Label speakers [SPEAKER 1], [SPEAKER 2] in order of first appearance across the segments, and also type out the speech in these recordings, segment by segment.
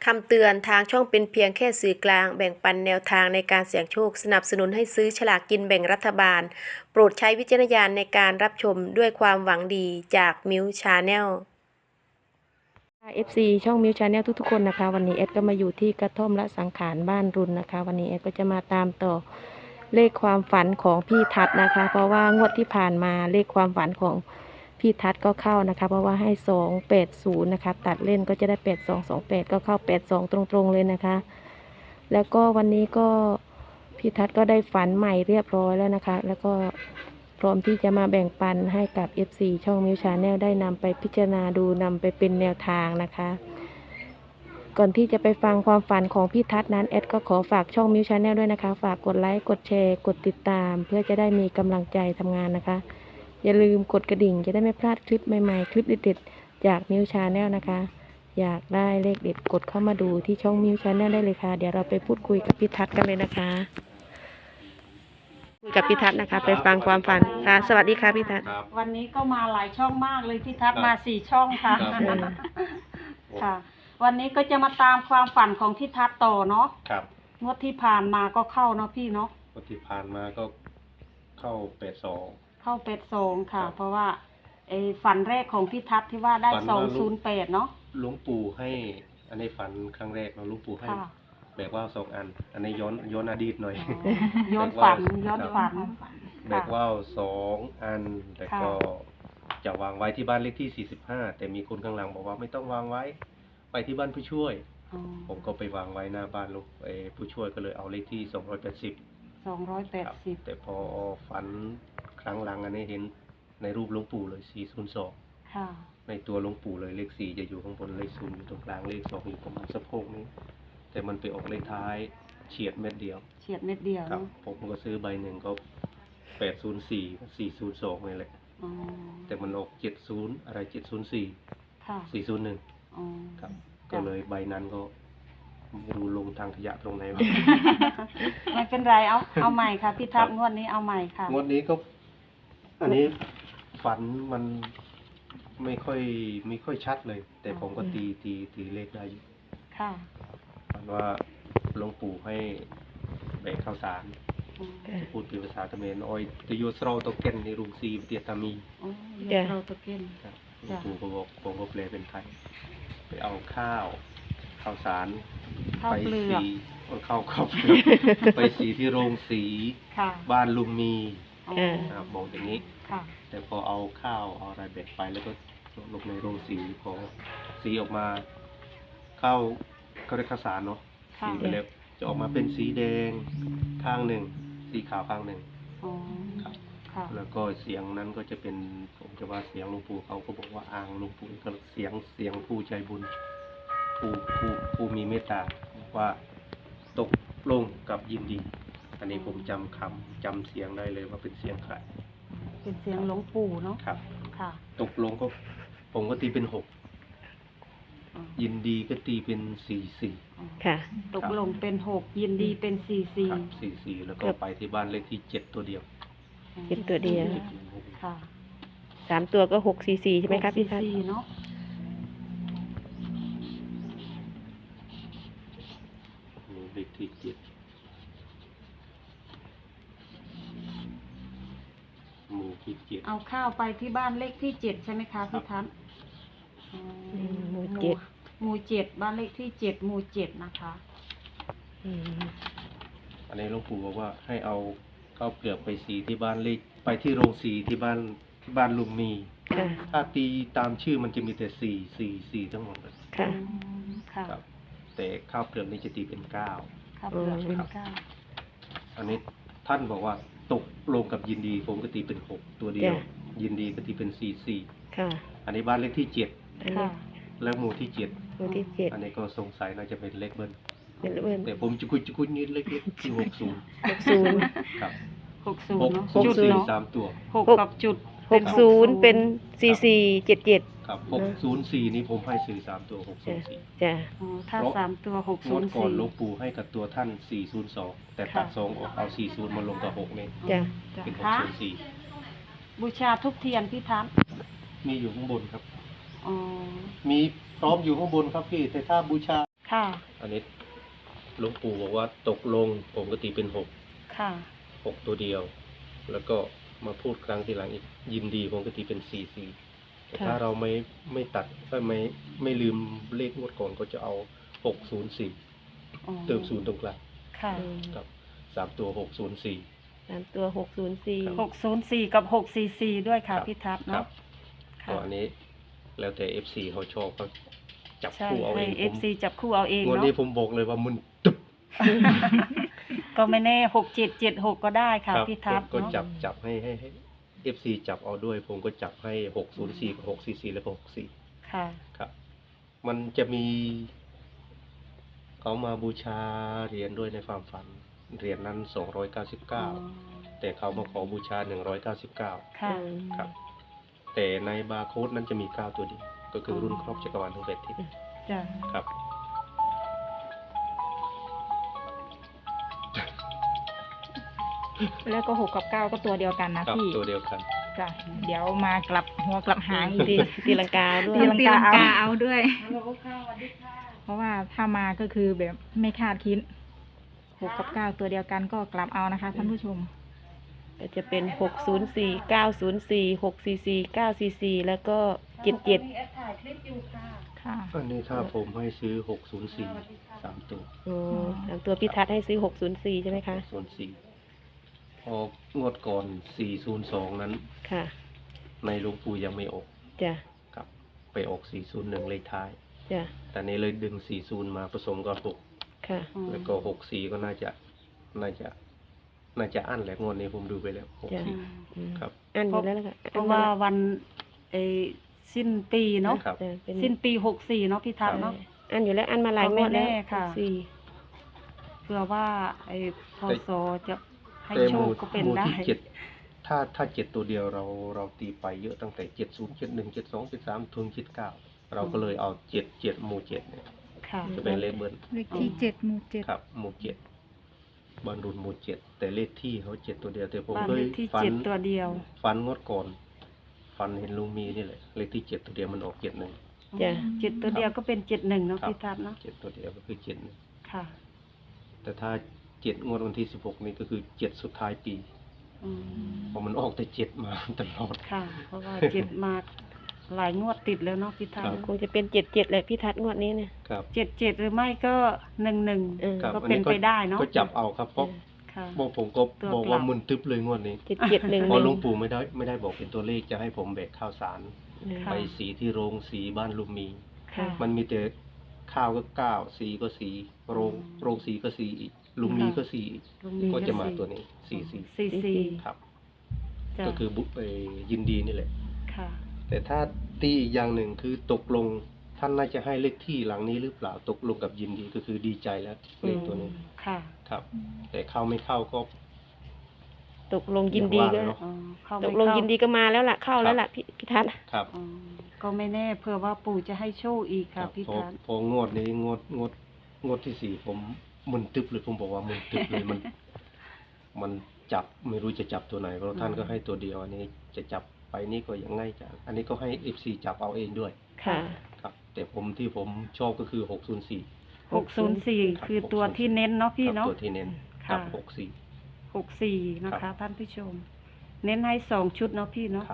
[SPEAKER 1] คำเตือนทางช่องเป็นเพียงแค่สื่อกลางแบ่งปันแนวทางในการเสี่ยงโชคสนับสนุนให้ซื้อฉลากกินแบ่งรัฐบาลโปรดใช้วิจารณญาณในการรับชมด้วยความหวังดีจากมิวชาแนล FC ช่องมิวชาแนลทุกๆคนนะคะวันนี้เอดก็มาอยู่ที่กระท่อมละสังขารบ้านรุนนะคะวันนี้เอดก็จะมาตามต่อเลขความฝันของพี่ทัศน์นะคะเพราะว่างวดที่ผ่านมาเลขความฝันของพี่ทัศน์ก็เข้านะคะเพราะว่าให้280นะคะตัดเล่นก็จะได้8228ก็เข้า82ตรงๆเลยนะคะแล้วก็วันนี้ก็พี่ทัศน์ก็ได้ฝันใหม่เรียบร้อยแล้วนะคะแล้วก็พร้อมที่จะมาแบ่งปันให้กับ FC ช่องมิวชาแนลได้นำไปพิจารณาดูนำไปเป็นแนวทางนะคะก่อนที่จะไปฟังความฝันของพี่ทัศน์นั้นแอดก็ขอฝากช่องมิวชาแนลด้วยนะคะฝากกดไลค์กดแชร์กดติดตามเพื่อจะได้มีกำลังใจทำงานนะคะอย่าลืมกดกระดิ่งจะได้ไม่พลาดคลิปใหม่ๆคลิปเด็ดๆจากมิวชาแนลนะคะอยากได้เลขเด็ดกดเข้ามาดูที่ช่องมิวชาแนลได้เลยค่ะเดี๋ยวเราไปพูดคุยกับพี่ทัศน์กันเลยนะคะคุยกับพี่ทัศน์นะคะไปฟังความฝันค่ะสวัสดีค่ะพี่ทัศน์
[SPEAKER 2] ครับ
[SPEAKER 3] วันนี้ก็มาหลายช่องมากเลยที่ทัดมา4 ช่องค่ะ
[SPEAKER 2] ครับ
[SPEAKER 3] ค่ะ วันนี้ก็จะมาตามความฝันของที่ทัดต่อเนาะ
[SPEAKER 2] ครับ
[SPEAKER 3] งวดที่ผ่านมาก็เข้าเนาะพี่เนาะ
[SPEAKER 2] ปฏิพานมาก็เข้า82
[SPEAKER 3] เข้า82ค่ะ
[SPEAKER 2] ครับ
[SPEAKER 3] เพราะว่าไอ้ฝันแรกของพี่ทัดที่ว่าได้
[SPEAKER 2] ฝันว่าลูก
[SPEAKER 3] 208เนาะ
[SPEAKER 2] หลวงปู่ให้ อันนี้ฝันครั้งแรกเราะหลวงปู่ให้
[SPEAKER 3] ค่ะ
[SPEAKER 2] แบกว่าว2 อัน อันนี้ย้อนอดีตหน่อย
[SPEAKER 3] ย้อนฝันย้อนฝัน
[SPEAKER 2] แบกว่าว2 อัน แต่ก็จะวางไว้ที่บ้านเลขที่ 45 แต่มีคนข้างหลังบอกว่าไม่ต้องวางไว้ ไปที่บ้านผู้ช่วย
[SPEAKER 3] อ๋อ
[SPEAKER 2] ผมก็ไปวางไว้หน้าบ้านลูกผู้ช่วยก็เลยเอาเลขที่280ครับ
[SPEAKER 3] 280
[SPEAKER 2] แต่พอฝันครั้งหลังอันนี้เห็นในรูปหลวงปู่เลย402
[SPEAKER 3] ค่ะ
[SPEAKER 2] ในตัวหลวงปู่เลยเลข4จะอยู่ข้างบนเลข0อยู่ตรงกลางเลข2อยู่ประมาณสะโพกนี้ แต่มันไปออกเลขท้ายเฉียดเม็ดเดียว
[SPEAKER 3] เฉียดเม็ดเดียว
[SPEAKER 2] ครับ
[SPEAKER 3] เนาะ
[SPEAKER 2] ผมก็ซื้อใบหนึ่งก็804กับ402นี่แหละ
[SPEAKER 3] อ๋อ
[SPEAKER 2] แต่มันออก70อะไร704
[SPEAKER 3] ค่ะ
[SPEAKER 2] 401
[SPEAKER 3] อ๋อ
[SPEAKER 2] ครับ ก็เลยใบนั้นก็ไม่รู้ลงทางขยะตรงไหนวะ
[SPEAKER 3] ไม่เป็นไรเอาใหม่ค่ะพี่ทัด
[SPEAKER 2] ครับ
[SPEAKER 3] งวดนี้เอาใหม่ค่ะ
[SPEAKER 2] งวดนี้ก็ อันนี้ฝันมันไม่ค่อยชัดเลย แต่ผมก็ตีเลขได้อยู่
[SPEAKER 3] ค่ะ
[SPEAKER 2] ฝันว่าหลวงปู่ให้แบกข้าวสาร
[SPEAKER 3] อืม
[SPEAKER 2] พูดเป็นภาษาเขมรอ้อยตะโยสเราตะเก็นในรุงซีเตียตามี
[SPEAKER 3] อ๋อ
[SPEAKER 1] จ้ะ
[SPEAKER 3] เราตะเกียน
[SPEAKER 2] ครับหลวงปู่ก็บอกผมก็แปลเป็นไทยไปเอาข้าวสาร
[SPEAKER 3] ข้าว
[SPEAKER 2] ไป
[SPEAKER 3] เปลื
[SPEAKER 2] สี
[SPEAKER 3] อก
[SPEAKER 2] ข้าวเปลือก ไปสีที่โรงสี
[SPEAKER 3] ค่ะ
[SPEAKER 2] บ้านลุงมี
[SPEAKER 3] อ๋อ
[SPEAKER 2] นะครับบอกอย่างนี้
[SPEAKER 3] ค่ะ
[SPEAKER 2] แต่พอเอาข้าวเอาอะไรแบกไปแล้วก็ลงในโรงสีพอสีออกมาข้าวเขาเรียกข้าวสารเนาะ
[SPEAKER 3] ค่ะ
[SPEAKER 2] สีไปแล้วจะออกมาเป็นสีแดงข้างหนึ่ง สีขาวข้างหนึ่ง
[SPEAKER 3] อ๋อ
[SPEAKER 2] ครับ
[SPEAKER 3] ค่ะ
[SPEAKER 2] แล้วก็เสียงนั้นก็จะเป็นผมจะว่าเสียงหลวงปู่เขาก็บอกว่าอ่างหลวงปู่ก็เสียงผู้ใจบุญผู้มีเมตตาว่าตกลงกับยินดี อันนี้ผมจำเสียงได้เลยว่าเป็นเสียงใคร
[SPEAKER 3] เป็นเสียงหลวงปู่เนาะ
[SPEAKER 2] ครับ
[SPEAKER 3] ค่ะ
[SPEAKER 2] ตกลงก็ผมก็ตีเป็น6
[SPEAKER 3] อ๋อ
[SPEAKER 2] ยินดีก็ตีเป็น44
[SPEAKER 3] อ๋อ
[SPEAKER 1] ค่ะ
[SPEAKER 3] ตกลงเป็น6ยินดีเป็น
[SPEAKER 2] ครับ
[SPEAKER 3] 44
[SPEAKER 2] 44แล้วก็ไปที่บ้านเลขที่7ตัวเดียว
[SPEAKER 1] เจ็ดตัวเดียว
[SPEAKER 3] ค่ะ
[SPEAKER 1] 3 ตัวก็644ใช่ไหมครับพี่ทัศน์
[SPEAKER 3] 644เนาะ
[SPEAKER 2] นี่เลขที่7หมู่ที่7
[SPEAKER 3] เอาข้าวไปที่บ้านเลขที่7ใช่ไหมคะพี่ทัศน์อ๋อ
[SPEAKER 1] หมู่
[SPEAKER 3] หมู่7บ้านเลขที่7หมู่7นะคะ
[SPEAKER 1] อืม
[SPEAKER 2] อันนี้หลวงปู่บอกว่าให้เอาข้าวเปลือกไปสีที่บ้านเลขไปที่โรงสีที่บ้านลุงมี
[SPEAKER 1] ค่ะ
[SPEAKER 2] ถ้าตีตามชื่อมันจะมีแต่4 ทั้งหมดเลย
[SPEAKER 1] ค่ะ
[SPEAKER 3] อืมค่ะ
[SPEAKER 2] ครับ แต่ข้าวเปลือกนี่จะตีเป็น9
[SPEAKER 3] ข้าวเปลือกเป็น
[SPEAKER 2] ครับ
[SPEAKER 3] 9
[SPEAKER 2] อันนี้ท่านบอกว่าตกลงกับยินดีผมก็ตีเป็น6ตัวเดียว
[SPEAKER 1] จ้ะ
[SPEAKER 2] ยินดีก็ตีเป็น4
[SPEAKER 1] ค่ะ
[SPEAKER 2] อันนี้บ้านเลขที่
[SPEAKER 1] อันนี้
[SPEAKER 3] ค่ะ
[SPEAKER 2] 7แล้วหมู่ที่
[SPEAKER 1] หมู่ที่
[SPEAKER 2] 7อันนี้ก็สงสัยน่าจะเป็นเลขเบิ้ล
[SPEAKER 1] 7เป็นเบิ้ล
[SPEAKER 2] แต่ผมจะคุยนิดเล็กๆที่60
[SPEAKER 1] 60
[SPEAKER 2] ครับ
[SPEAKER 3] 60เนาะ
[SPEAKER 1] 60
[SPEAKER 3] จุดเนาะ
[SPEAKER 2] 3ตัว
[SPEAKER 3] 6กับจุดเป็น
[SPEAKER 1] 60เป็น4477
[SPEAKER 2] ครับ604นี่ผมให้ซื้อ3ตัว604
[SPEAKER 1] จ้ะ
[SPEAKER 3] อ๋อถ้า3ตัว
[SPEAKER 2] งวดก่อนหลวง
[SPEAKER 3] 604
[SPEAKER 2] ปู่ให้กับตัวท่าน402แต่ตัด
[SPEAKER 3] ค่ะ
[SPEAKER 2] 2ออกเอา40มาลงกับ6นี่
[SPEAKER 1] จ้ะ
[SPEAKER 2] เป็น
[SPEAKER 3] ค่ะ
[SPEAKER 2] 604
[SPEAKER 3] บูชาทุกเทียนพี่ทัศน์
[SPEAKER 2] มีอยู่ข้างบนครับ
[SPEAKER 3] อ๋อ
[SPEAKER 2] มีพร้อมอยู่ข้างบนครับพี่แต่ถ้าบูชา
[SPEAKER 3] ค่ะ
[SPEAKER 2] อันนี้หลวงปู่บอกว่าตกลงผมก็ตีเป็นหก
[SPEAKER 3] ค่ะ
[SPEAKER 2] ตัวเดียว แล้วก็มาพูดครั้งทีหลังอีกยินดีผมก็ตีเป็น4 แต่ถ้าเราไม่ตัดก็ไม่ลืมเลขงวดก่อนก็จะเอา604
[SPEAKER 3] อ๋อ
[SPEAKER 2] เติมศูนย์ตรงกลาง
[SPEAKER 3] ค่ะ
[SPEAKER 2] กับ3 ตัว604
[SPEAKER 1] 3 ตัว 604
[SPEAKER 3] 604 กับ 644 ด้วยค่ะพี่ทัศน์
[SPEAKER 2] ครั
[SPEAKER 3] เนาะ
[SPEAKER 2] บ
[SPEAKER 3] ค่ะ
[SPEAKER 2] ก็อันนี้แล้วแต่ FC เขาชอบเขาจับ
[SPEAKER 3] ใช่
[SPEAKER 2] คู่เอาเอ
[SPEAKER 3] ให้
[SPEAKER 2] งผม
[SPEAKER 3] FC จับคู่เอาเอง
[SPEAKER 2] งวด
[SPEAKER 3] เนาะ
[SPEAKER 2] นี้ผมบอกเลยว่ามันตึบ
[SPEAKER 3] ก็ไม่แน่6776ก็ได้ค่ะ
[SPEAKER 2] ครับ
[SPEAKER 3] พี่ทัศน์
[SPEAKER 2] ก็
[SPEAKER 3] เนาะ
[SPEAKER 2] จับให้FC จับเอาด้วย ผมก็จับให้604กับ644แล้วก็64
[SPEAKER 3] ค่ะ
[SPEAKER 2] ครับ มันจะมีเขามาบูชาเหรียญด้วยในความฝันเหรียญนั้น
[SPEAKER 3] อ๋อ
[SPEAKER 2] 299 แต่เขามาขอบูชา 199
[SPEAKER 3] ค่ะ
[SPEAKER 2] ครับ แต่ในบาร์โค้ดนั้นจะมี 9 ตัวเดียวก็คือรุ่นครอบจักรวาลทั้ง8ทิศ
[SPEAKER 3] จ้ะ
[SPEAKER 2] ครับ
[SPEAKER 4] แล้วก็6 กับ 9 ก็ตัวเดียวกันนะครับ พี่
[SPEAKER 2] ตัวเดียวกัน
[SPEAKER 4] จ้ะเดี๋ยวมากลับหัวกลับหางอีก
[SPEAKER 1] ตีลังกาด้วย
[SPEAKER 4] ตีลัง
[SPEAKER 5] ตีลังกาเอาด้วย
[SPEAKER 4] เพราะว่าถ้ามาก็คือแบบไม่คาดคิด6 กับ 9 ตัวเดียวกันก็กลับเอานะคะท่านผู้ชม
[SPEAKER 1] ก็จะเป็น 604 904 644 944 แล้วก็77
[SPEAKER 4] ค่ะ
[SPEAKER 2] อันนี้ถ้าผมให้ซื้อ 604 3 ตัว
[SPEAKER 1] โอ้3ตัวพี่ทัศน์ให้ซื้อ 604 ใช่ไหมคะ
[SPEAKER 2] 604 พองวดก่อน 402 นั้น
[SPEAKER 1] ค่ะ
[SPEAKER 2] ในหลวงปู่ยังไม่ออก
[SPEAKER 1] จ้ะ
[SPEAKER 2] ครับ ไปออก 401 เลขท้าย
[SPEAKER 1] จ้ะ
[SPEAKER 2] แต่นี้เลยดึง 40 มาผสมกับ6
[SPEAKER 1] ค่ะ
[SPEAKER 2] แล้วก็ 64 ก็น่าจะอั้นแหละงวดนี้ผมดูไปแล้ว
[SPEAKER 1] จ้ะ
[SPEAKER 2] 64
[SPEAKER 1] อืม
[SPEAKER 2] ครับ
[SPEAKER 1] อันอยู่แล้วล่ะค่ะ
[SPEAKER 3] เพราะว่าวันไอ้สิ้นปีเนาะ
[SPEAKER 2] ครับ
[SPEAKER 1] จ้ะเป็น
[SPEAKER 3] สิ้นปี64เนาะพี่ทัศน์เนาะ
[SPEAKER 1] อันอยู่แล้วอันมาหลายงวดแล้ว
[SPEAKER 3] ก็ไม่แน่ค่ะ
[SPEAKER 1] 64
[SPEAKER 3] เผื่อว่าไอ้พศจะให้
[SPEAKER 2] แต่
[SPEAKER 3] โช
[SPEAKER 2] ห
[SPEAKER 3] ค
[SPEAKER 2] มู่
[SPEAKER 3] ก็เป็น
[SPEAKER 2] หมู่
[SPEAKER 3] ได้
[SPEAKER 2] ที่7ถ้า7ตัวเดียวเราตีไปเยอะตั้งแต่70 71 72 73ถึง79เราก็เลยเอา7หมู่7เนี่ย
[SPEAKER 3] ค่ะ
[SPEAKER 2] จะเป็นเลขเบิ้ล
[SPEAKER 5] เลขที่7 หมู่ 7
[SPEAKER 2] ครับหมู่7บอลรุนหมู่7แต่เลขที่เขา7ตัวเดียวแต่ผม
[SPEAKER 3] บ้าน
[SPEAKER 2] เค
[SPEAKER 3] เลย ขที่
[SPEAKER 2] ฝัน
[SPEAKER 3] 7ตัวเดียว
[SPEAKER 2] ฝันงดก่อนฝันเห็นลุงมีนี่แหละเลขที่7ตัวเดียวมันออก71
[SPEAKER 1] จ้ะ
[SPEAKER 3] 7ตัวเดียวก็เป็น71เนาะ
[SPEAKER 2] ครับ
[SPEAKER 3] พี่ทัศน์เนาะ
[SPEAKER 2] 7ตัวเดียวก็คือ71
[SPEAKER 3] ค่ะ
[SPEAKER 2] แต่ถ้า7งวดวันที่16นี่ก็คือ7สุดท้ายปี
[SPEAKER 3] อืม
[SPEAKER 2] เพราะมันออกแต่7มาตลอด
[SPEAKER 3] ค่ะ เพราะว่า7มาหลายงวดติดแล้วเนาะพี่ทัศน์
[SPEAKER 1] คงจะเป็น77แหละพี่ทัศน์งวดนี้เนี่ย
[SPEAKER 2] ครับ
[SPEAKER 3] 77หรือไม่ก็11
[SPEAKER 1] เออ
[SPEAKER 2] ครับ
[SPEAKER 3] ก็
[SPEAKER 2] อั
[SPEAKER 3] เป็นไปได้เนาะ
[SPEAKER 2] ก็จับเอาครับเพราะ
[SPEAKER 3] ค่ะ
[SPEAKER 2] บอกผมก็
[SPEAKER 3] ตัว
[SPEAKER 2] บอก
[SPEAKER 3] กลั
[SPEAKER 2] ว่า
[SPEAKER 3] บ
[SPEAKER 2] มึนตึ๊บเลยงวดนี้
[SPEAKER 1] 7711
[SPEAKER 2] เพราะหลวงปู่ไม่ได้บอกเป็นตัวเลขจะให้ผมแบกข้าวสาร
[SPEAKER 3] ค่ะ
[SPEAKER 2] ไปสีที่โรงสีบ้านลุมมี
[SPEAKER 3] ค่ะ
[SPEAKER 2] มันมีแต่ข้าวก็9สีก็สีโรงสีก็สีอีกลุมมีก็สีอีก
[SPEAKER 3] ลุงมี
[SPEAKER 2] ก็จะมา
[SPEAKER 3] สี่
[SPEAKER 2] ตัวนี้สี
[SPEAKER 3] 44
[SPEAKER 2] ครับ
[SPEAKER 3] จ้ะ
[SPEAKER 2] ก็คือยินดีนี่แหละ
[SPEAKER 3] ค่ะ
[SPEAKER 2] แต่ถ้าตีอีกอย่างหนึ่งคือตกลงท่านน่าจะให้เลขที่หลังนี้หรือเปล่าตกลงกับยินดีก็คือดีใจแล้วเลขตัวนี้
[SPEAKER 3] ค่ะ
[SPEAKER 2] ครับ แต่เข้าไม่เข้าก็
[SPEAKER 1] ตกลงยินดีก็
[SPEAKER 2] อย่างว่าเนอะ
[SPEAKER 3] อ๋อเข้า
[SPEAKER 1] ต
[SPEAKER 3] ไม่
[SPEAKER 1] กลง
[SPEAKER 3] เข้า
[SPEAKER 1] ยินดีก็มาแล้วล่ะเข้าแล้วล่ะพี่ทัศน์
[SPEAKER 2] ครับ
[SPEAKER 3] อ๋อก็ไม่แน่เผื่อว่าปู่จะให้โชคอีก
[SPEAKER 2] ครั
[SPEAKER 3] ค่ะ
[SPEAKER 2] บ
[SPEAKER 3] พี่
[SPEAKER 2] พอ
[SPEAKER 3] ทัศน์
[SPEAKER 2] พองวดนี้งวดที่4ผมมึนตึ๊บเลยผมบอกว่ามึนตึ๊บเลยมันจับไม่รู้จะจับตัวไหนเพราะท่านก็ให้ตัวเดียวอันนี้จะจับไปนี่ก็ยังง่ายจังอันนี้ก็ให้ FC จับเอาเองด้วย
[SPEAKER 1] ค่ะ
[SPEAKER 2] ครับ แต่ที่ผมชอบก็คือ604
[SPEAKER 3] 604คือตัวที่เน้นเนาะพี่
[SPEAKER 2] ครับ
[SPEAKER 3] เนาะ
[SPEAKER 2] ตัวที่เน้น
[SPEAKER 3] ค่ะ
[SPEAKER 2] ครับ
[SPEAKER 3] 64นะ
[SPEAKER 2] ครั
[SPEAKER 3] คะ
[SPEAKER 2] บ
[SPEAKER 3] ท่านผู้ชม เน้นให้2ชุดเนาะพี่เนาะ
[SPEAKER 2] ครับ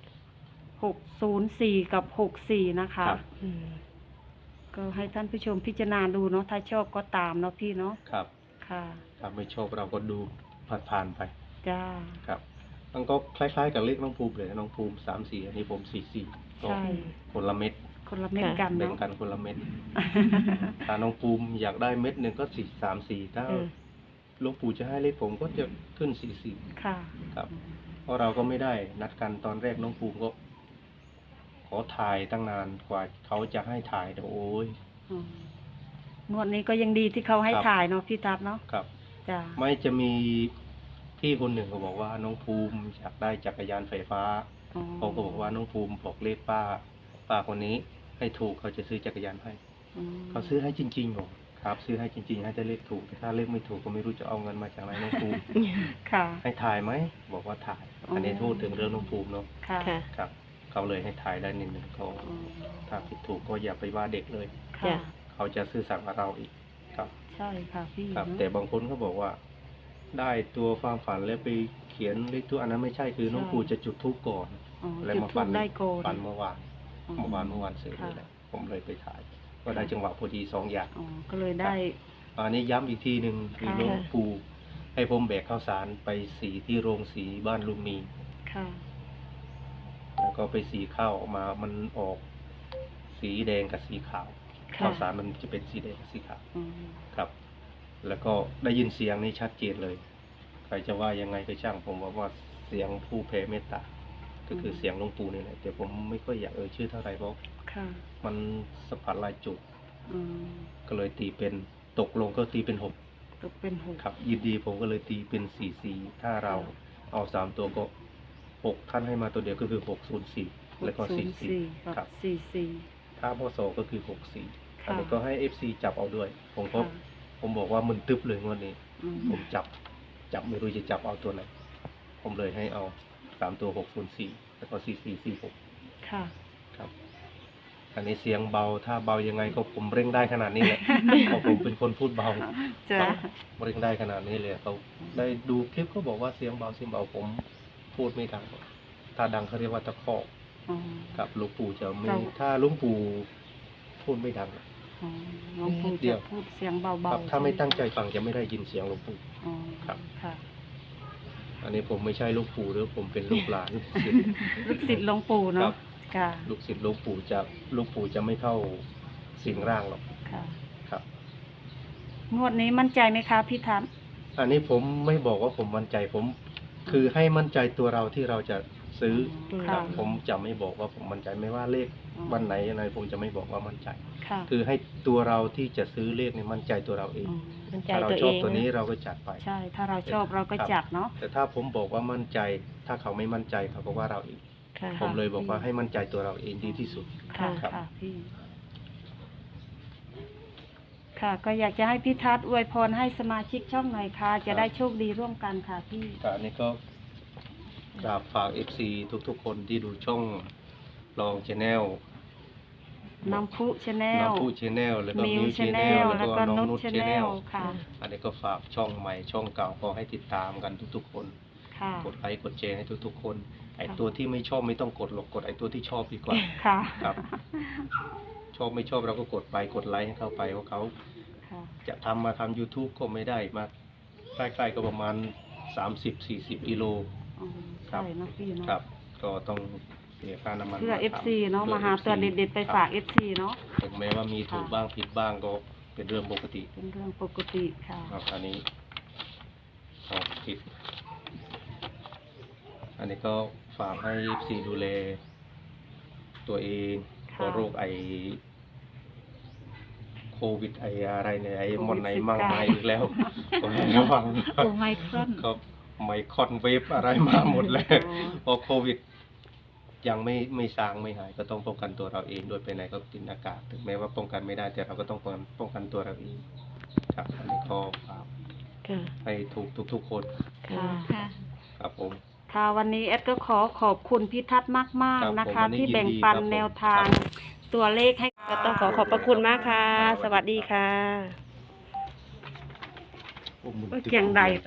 [SPEAKER 3] 604กับ64นะคะ
[SPEAKER 2] ครับ
[SPEAKER 1] อืม
[SPEAKER 3] ก็ให้ท่านผู้ชมพิจารณาดูเนาะถ้าชอบก็ตามเนาะพี่เนาะ
[SPEAKER 2] ครับ
[SPEAKER 3] ค่ะ
[SPEAKER 2] ถ้าไม่ชอบเราก็ดูผ่านๆไป
[SPEAKER 3] จ้า
[SPEAKER 2] ครับมันก็คล้ายๆกับเลขน้องภูมิเลยน้องภูมิ34อันนี้ผม44ก็
[SPEAKER 3] ใช่
[SPEAKER 2] คนละเม็ด
[SPEAKER 3] คนละเม็ดกัน
[SPEAKER 2] แบ่ง
[SPEAKER 3] เนาะ
[SPEAKER 2] กันคนละเม็ด ถ้าน้องภูมิอยากได้เม็ดหนึ่งก็434ถ้า
[SPEAKER 1] อืม
[SPEAKER 2] หลวงปู่จะให้เลขผมก็จะขึ้น44
[SPEAKER 3] ค่ะ
[SPEAKER 2] ครับ เพราะเราก็ไม่ได้นัดกันตอนแรกน้องภูมิก็ ขอถ่ายตั้งนานกว่าเขาจะให้ถ่ายแต่โอ้ย
[SPEAKER 3] อืมงวดนี้ก็ยังดีที่เขาให้
[SPEAKER 2] ครับ
[SPEAKER 3] ถ่ายเนาะพี่ทัศน์เนาะ
[SPEAKER 2] ครับ
[SPEAKER 3] จ้า
[SPEAKER 2] ไม่จะมีพี่คนหนึ่งเขาบอกว่าน้องภูมิอยากได้จักรยานไฟฟ้า
[SPEAKER 3] อ๋อ
[SPEAKER 2] เขาก็บอกว่าน้องภูมิบอกเลขป้าคนนี้ให้ถูกเขาจะซื้อจักรยานให้
[SPEAKER 3] อืม
[SPEAKER 2] เขาซื้อให้จริงๆบอกครับ ซื้อให้จริงๆให้แต่เลขถูกแต่ถ้าเลขไม่ถูกก็ไม่รู้จะเอาเงินมาจากไหนน้องภูมิ
[SPEAKER 3] ค่ะ
[SPEAKER 2] ให้ถ่ายไหมบอกว่าถ่าย อันนี้พูดถึงเรื่องน้องภูมิเนาะ
[SPEAKER 3] ค่ะ
[SPEAKER 1] ค่ะ
[SPEAKER 2] ครับเขาเลยให้ถ่ายได้นิดนึงเขา
[SPEAKER 3] อืม
[SPEAKER 2] ถ้าผิดถูกก็อย่าไปว่าเด็กเลย
[SPEAKER 3] ค่ะ
[SPEAKER 1] จ้ะ
[SPEAKER 2] เขาจะซื่อสัตย์กับเราอีกครับ
[SPEAKER 3] ใช่ค่ะพี่
[SPEAKER 2] ครับ
[SPEAKER 3] เนอะ
[SPEAKER 2] แต่บางคนเขาบอกว่า ได้ตัวความฝันแล้วไปเขียนเลขตัวอันนั้นไม่ใช่คือน้อง
[SPEAKER 3] ใช่
[SPEAKER 2] ปู่จะจุดธูปก่อน
[SPEAKER 3] อ๋อ
[SPEAKER 2] แล้ว
[SPEAKER 3] จุด
[SPEAKER 2] มา
[SPEAKER 3] ทู
[SPEAKER 2] ฝั
[SPEAKER 3] บได้ก่อน
[SPEAKER 2] ฝันเมื่อวาน
[SPEAKER 3] อ๋อ
[SPEAKER 2] เมื่อวานเสร็จ
[SPEAKER 3] ค่ะ
[SPEAKER 2] นี่แหละผมเลยไปถ่ายก็ได้จังหวะพอดีสองอย่าง
[SPEAKER 3] อ๋อก็เลยได้
[SPEAKER 2] อันนี้ย้ำอีกทีหนึ่งคือ
[SPEAKER 3] ค่ะ
[SPEAKER 2] หลวงปู่ให้ผมแบกข้าวสารไปสีที่โรงสีบ้านลุงมี
[SPEAKER 3] ค่ะ
[SPEAKER 2] แล้วก็ไปสีข้าวออกมามันออกสีแดงกับสีขาว
[SPEAKER 3] ค่ะ
[SPEAKER 2] ข้าวสารมันจะเป็นสีแดงกับสีขาว
[SPEAKER 3] อืม
[SPEAKER 2] ครับ แล้วก็ได้ยินเสียงนี้ชัดเจนเลย ใครจะว่ายังไงก็ช่างผมว่าเสียงผู้แผ่เมตตา ก็คือเสียงหลวงปู่นี่แหละแต่ผมไม่ค่อยอยากชื่อเท่าไหร่เพราะ
[SPEAKER 3] ค่ะ
[SPEAKER 2] มันสัมผัสหลายจุด
[SPEAKER 3] อืม
[SPEAKER 2] ก็เลยตีเป็นตกลงก็ตีเป็นหก
[SPEAKER 3] ตกเป็นหก
[SPEAKER 2] ครับยินดีผมก็เลยตีเป็นสี่ถ้าเราเอาสามตัวก็หกท่านให้มาตัวเดียวก็คือ604แล้วก็
[SPEAKER 3] 604
[SPEAKER 2] 44ครับ
[SPEAKER 3] 44
[SPEAKER 2] ถ้าพศก็คือ64
[SPEAKER 3] ค่ะ
[SPEAKER 2] อันนี้ก็ให้ FC จับเอาด้วย ผมก็
[SPEAKER 3] ค่ะ
[SPEAKER 2] ผมบอกว่ามึนตึ๊บเลยงวดนี้
[SPEAKER 3] อืม
[SPEAKER 2] ผมจับไม่รู้จะจับเอาตัวไหน ผมเลยให้เอา3ตัว604แล้วก็4446
[SPEAKER 3] ค่ะ
[SPEAKER 2] ครับ อันนี้เสียงเบาถ้าเบายังไงก็ผมเร่งได้ขนาดนี้แหละ เพราะผมเป็นคนพูดเบา
[SPEAKER 3] จ้ะ
[SPEAKER 2] ครับเร่งได้ขนาดนี้เลยเขาได้ดูคลิปก็บอกว่าเสียงเบาผมพูดไม่ดัง ถ้าดังเขาเรียกว่าตะคอก
[SPEAKER 3] อ๋อ
[SPEAKER 2] กับหลวงปู่จะไม่
[SPEAKER 3] เรา
[SPEAKER 2] ถ้าหลวงปู่พูดไม่ดัง
[SPEAKER 3] อ๋อหลวงปู่
[SPEAKER 2] เดี๋
[SPEAKER 3] จะ
[SPEAKER 2] ยว
[SPEAKER 3] พูดเสียงเบา
[SPEAKER 2] ครับ
[SPEAKER 3] ๆ
[SPEAKER 2] ถ้าไม่
[SPEAKER 3] ใช่ห
[SPEAKER 2] ตั้งใจฟังจะไม่ได้ยินเสียงหลวงปู่
[SPEAKER 3] อ๋อ
[SPEAKER 2] ครับ
[SPEAKER 3] ค่ะ
[SPEAKER 2] อันนี้ผมไม่ใช่หลวงปู่หรือผมเป็นลูกหลาน
[SPEAKER 3] ลูกศิษย์หลวงปู่
[SPEAKER 2] ครั
[SPEAKER 3] เนาะ
[SPEAKER 2] บ
[SPEAKER 3] ค่ะ
[SPEAKER 2] ลูกศิษย์หลวงปู่จะไม่เข้าสิงร่างหรอก
[SPEAKER 3] ค่ะ
[SPEAKER 2] ครับ
[SPEAKER 3] งวดนี้มั่นใจไหมคะพี่ทัศน์
[SPEAKER 2] อันนี้ผมไม่บอกว่าผมมั่นใจผมคือให้มั่นใจตัวเราที่เราจะซื้อค
[SPEAKER 3] ค่ะ
[SPEAKER 2] รับผมจะไม่บอกว่าผมมั่นใจไม่ว่าเลข
[SPEAKER 3] อ๋อ
[SPEAKER 2] วันไหนอะไรผมจะไม่บอกว่ามั่นใจ
[SPEAKER 3] ค่ะ
[SPEAKER 2] คือให้ตัวเราที่จะซื้อเลขเนี่ยมั่นใจตัวเราเอง
[SPEAKER 3] อืม
[SPEAKER 1] มั่นใจ
[SPEAKER 2] ถ้าเรา
[SPEAKER 1] ตัว
[SPEAKER 2] ช
[SPEAKER 1] เอ
[SPEAKER 2] อบ
[SPEAKER 1] ง
[SPEAKER 2] ตัวนี้
[SPEAKER 1] นะ
[SPEAKER 2] เราก็จัดไป
[SPEAKER 3] ใช่ ถ้าเราชอบเราก็
[SPEAKER 2] ครับ
[SPEAKER 3] จัดเนาะ
[SPEAKER 2] แต่ถ้าผมบอกว่ามั่นใจ ถ้าเขาไม่มั่นใจเขาก็ว่าเราเอง
[SPEAKER 1] ค่ะ
[SPEAKER 2] ผมเลยบอกว่าให้มั่นใจตัวเราเองดีที่สุด
[SPEAKER 3] ค่ะ
[SPEAKER 2] ครับ
[SPEAKER 3] ค่ะพี่ ค่ะ ก็อยากจะให้พี่ทัศน์อวยพรให้สมาชิกช่องหน่อยค่ะ จะได้โชคดีร่วมกันค่ะพี่
[SPEAKER 2] แต่อันนี้ก็กราบฝาก FC ทุกๆคนที่ดูช่องลองชแนล
[SPEAKER 3] น้ำพุชาแนล
[SPEAKER 2] น้ำพูชแนลแล้วก็
[SPEAKER 3] มิ
[SPEAKER 2] มิ
[SPEAKER 3] ว
[SPEAKER 2] ว
[SPEAKER 3] ชา
[SPEAKER 2] ช
[SPEAKER 3] แน
[SPEAKER 2] แน
[SPEAKER 3] ล
[SPEAKER 2] ล
[SPEAKER 3] แล้
[SPEAKER 2] แล้ว ว
[SPEAKER 3] ก็
[SPEAKER 2] ก็น้อง
[SPEAKER 3] นุช
[SPEAKER 2] นุช
[SPEAKER 3] ชา
[SPEAKER 2] ช
[SPEAKER 3] แน
[SPEAKER 2] แน
[SPEAKER 3] ล
[SPEAKER 2] ล
[SPEAKER 3] ค่ะ
[SPEAKER 2] อันนี้ก็ฝากช่องใหม่ช่องเก่าก็ให้ติดตามกันทุกๆคน
[SPEAKER 3] ค่ะ
[SPEAKER 2] กดไลค์กดแชร์ให้ทุกๆคนไอ
[SPEAKER 3] ค่ะ
[SPEAKER 2] ตัวที่ไม่ชอบไม่ต้องกดหรอกกดไอตัวที่ชอบดีกว่า
[SPEAKER 3] ค่ะ
[SPEAKER 2] ครับ ชอบไม่ชอบเราก็กดไปกดไลค์ให้เข้าไปเพราะเขา
[SPEAKER 3] ค่ะ
[SPEAKER 2] จะทำมาทำ YouTube ก็ไม่ได้มาใกล้ๆก็ประมาณ 30-40 กิโล
[SPEAKER 3] อืม
[SPEAKER 2] ครับ
[SPEAKER 3] ใช่เนาะพี่เนาะ
[SPEAKER 2] ครับ ก็ต้องเสียค่าน้ำมัน
[SPEAKER 3] เพื่อ
[SPEAKER 2] มาทำ
[SPEAKER 3] FC เนาะ
[SPEAKER 2] พื่อ
[SPEAKER 3] มาหาตัว
[SPEAKER 2] FC
[SPEAKER 3] เด็ดๆไปฝาก FC เนาะ
[SPEAKER 2] ถึงแม้ว่ามีถูกบ้างผิดบ้างก็เป็นเรื่องปกติ
[SPEAKER 3] เป็นเรื่องปกติค่ะ
[SPEAKER 2] ครับอันนี้เอาผิด อันนี้ก็ฝากให้ FC ดูแลตัวเองเพ
[SPEAKER 3] ค่ะ
[SPEAKER 2] ราะโรคโควิดอะไรเนี่ยไอ้
[SPEAKER 3] โควิด
[SPEAKER 2] มอนไหนมั่ง
[SPEAKER 3] 19
[SPEAKER 2] มาอีกแล้วก็ให้ระวัง
[SPEAKER 5] โอ้ไมครอน
[SPEAKER 2] ครับไมคอนเวฟอะไรมาหมดแล้ว
[SPEAKER 3] อ๋อ
[SPEAKER 2] พอโควิด ยังไม่ซางไม่หายก็ต้องป้องกันตัวเราเองโดยไปไหนก็กินอากาศถึงแม้ว่าป้องกันไม่ได้แต่เราก็ต้องป้องกันตัวเราเองครับอันนี้ก็ฝาก
[SPEAKER 1] ค่ะ
[SPEAKER 2] ให้ทุกคน
[SPEAKER 3] ค่ะ
[SPEAKER 5] ค่ะ
[SPEAKER 2] ครับผม
[SPEAKER 3] ค่ะวันนี้แอดก็ขอบคุณพี่ทัศน์มาก
[SPEAKER 2] ครับ
[SPEAKER 3] ๆ นะ
[SPEAKER 2] ผม
[SPEAKER 3] คะ
[SPEAKER 2] วันนี้
[SPEAKER 3] ที่แบ่ง
[SPEAKER 2] ยินดี
[SPEAKER 3] ปัน
[SPEAKER 2] ครับผม
[SPEAKER 3] แนวทาง
[SPEAKER 2] ครับ
[SPEAKER 3] ตัวเลขให้
[SPEAKER 1] ก็ต้องขอบพระคุณมากค่ะ สวัสดีค่ะ
[SPEAKER 2] โอ้มึง
[SPEAKER 3] เกียงใด